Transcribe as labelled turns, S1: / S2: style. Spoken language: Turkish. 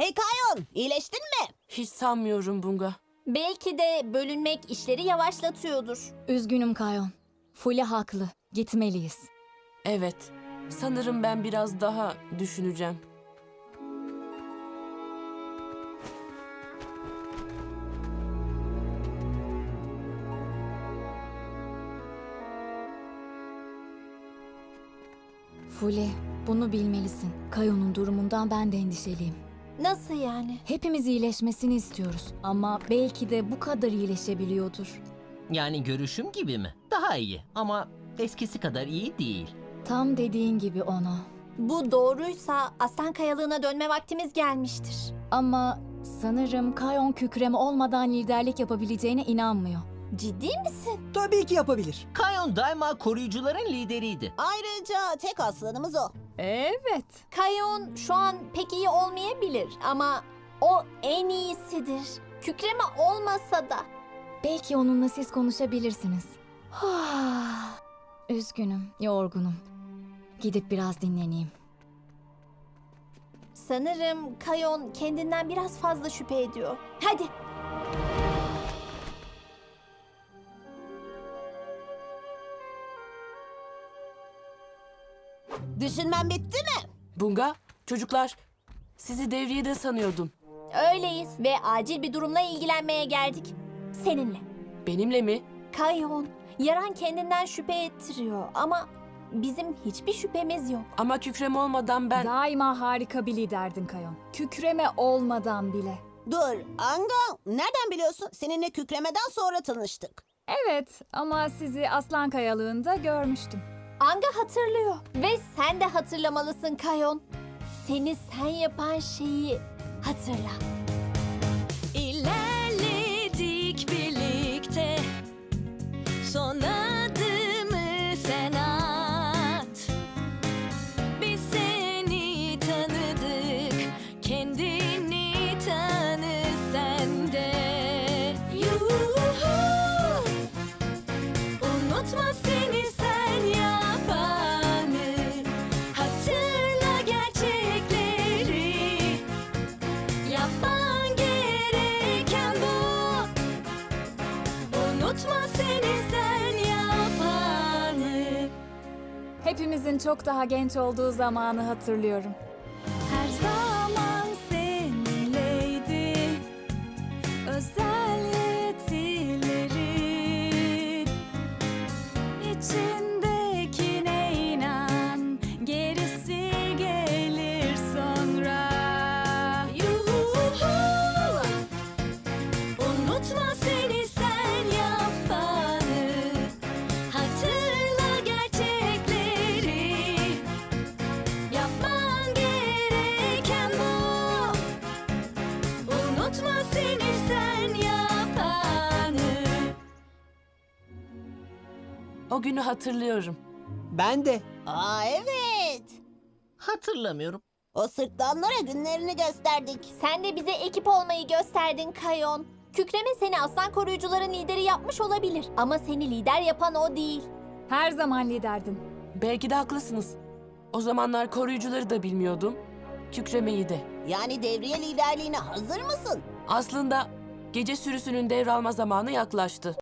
S1: Hey Kayon, iyileştin mi?
S2: Hiç sanmıyorum Bunga.
S3: Belki de bölünmek işleri yavaşlatıyordur.
S4: Üzgünüm Kayon. Fule haklı. Gitmeliyiz.
S2: Evet, sanırım ben biraz daha düşüneceğim.
S4: Fule, bunu bilmelisin. Kayon'un durumundan ben de endişeliyim.
S3: Nasıl yani?
S4: Hepimiz iyileşmesini istiyoruz. Ama belki de bu kadar iyileşebiliyordur.
S5: Yani görüşüm gibi mi? Daha iyi ama eskisi kadar iyi değil.
S4: Tam dediğin gibi ona.
S3: Bu doğruysa Aslan Kayalığı'na dönme vaktimiz gelmiştir.
S4: Ama sanırım Kayon kükreme olmadan liderlik yapabileceğine inanmıyor.
S3: Ciddi misin?
S6: Tabii ki yapabilir.
S5: Kayon daima koruyucuların lideriydi.
S1: Ayrıca tek aslanımız o.
S7: Evet.
S3: Kayon şu an pek iyi olmayabilir ama o en iyisidir. Kükreme olmasa da.
S4: Belki onunla siz konuşabilirsiniz. Üzgünüm, yorgunum. Gidip biraz dinleneyim.
S3: Sanırım Kayon kendinden biraz fazla şüphe ediyor. Hadi.
S1: Düşünmen bitti mi?
S2: Bunga, çocuklar, sizi devriyede sanıyordum.
S3: Öyleyiz ve acil bir durumla ilgilenmeye geldik. Seninle.
S2: Benimle mi?
S3: Kayon, yaran kendinden şüphe ettiriyor ama bizim hiçbir şüphemiz yok.
S2: Ama kükreme olmadan ben...
S7: Daima harika bir liderdin Kayon. Kükreme olmadan bile.
S1: Dur, Anga, nereden biliyorsun? Seninle kükremeden sonra tanıştık.
S7: Evet ama sizi Aslan Kayalığı'nda görmüştüm.
S3: Anga hatırlıyor ve sen de hatırlamalısın Kayon. Seni sen yapan şeyi hatırla.
S8: İlerledik birlikte, son adımı sen at. Biz seni tanıdık, kendini tanı sen de. Yuhu, unutma seni sen yapanı, hatırla gerçekleri. Yapman gereken bu. Unutma seni sen yapanı.
S7: Hepimizin çok daha genç olduğu zamanı hatırlıyorum.
S8: Her zaman seninleydi özel yetileri. İçindekine inan, gerisi gelir sonra. Yuhu, unutma seni sen yapanı, hatırla gerçekleri. Yapman gereken bu. Unutma seni sen yapanı.
S2: O günü hatırlıyorum.
S6: Ben de.
S1: Aa evet.
S5: Hatırlamıyorum.
S1: O sırtlanlara günlerini gösterdik.
S3: Sen de bize ekip olmayı gösterdin Kayon. Kükreme seni aslan koruyucuların lideri yapmış olabilir. Ama seni lider yapan o değil.
S7: Her zaman liderdin.
S2: Belki de haklısınız. O zamanlar koruyucuları da bilmiyordum. Kükremeyi de.
S1: Yani devriye liderliğine hazır mısın?
S2: Aslında gece sürüsünün devralma zamanı yaklaştı.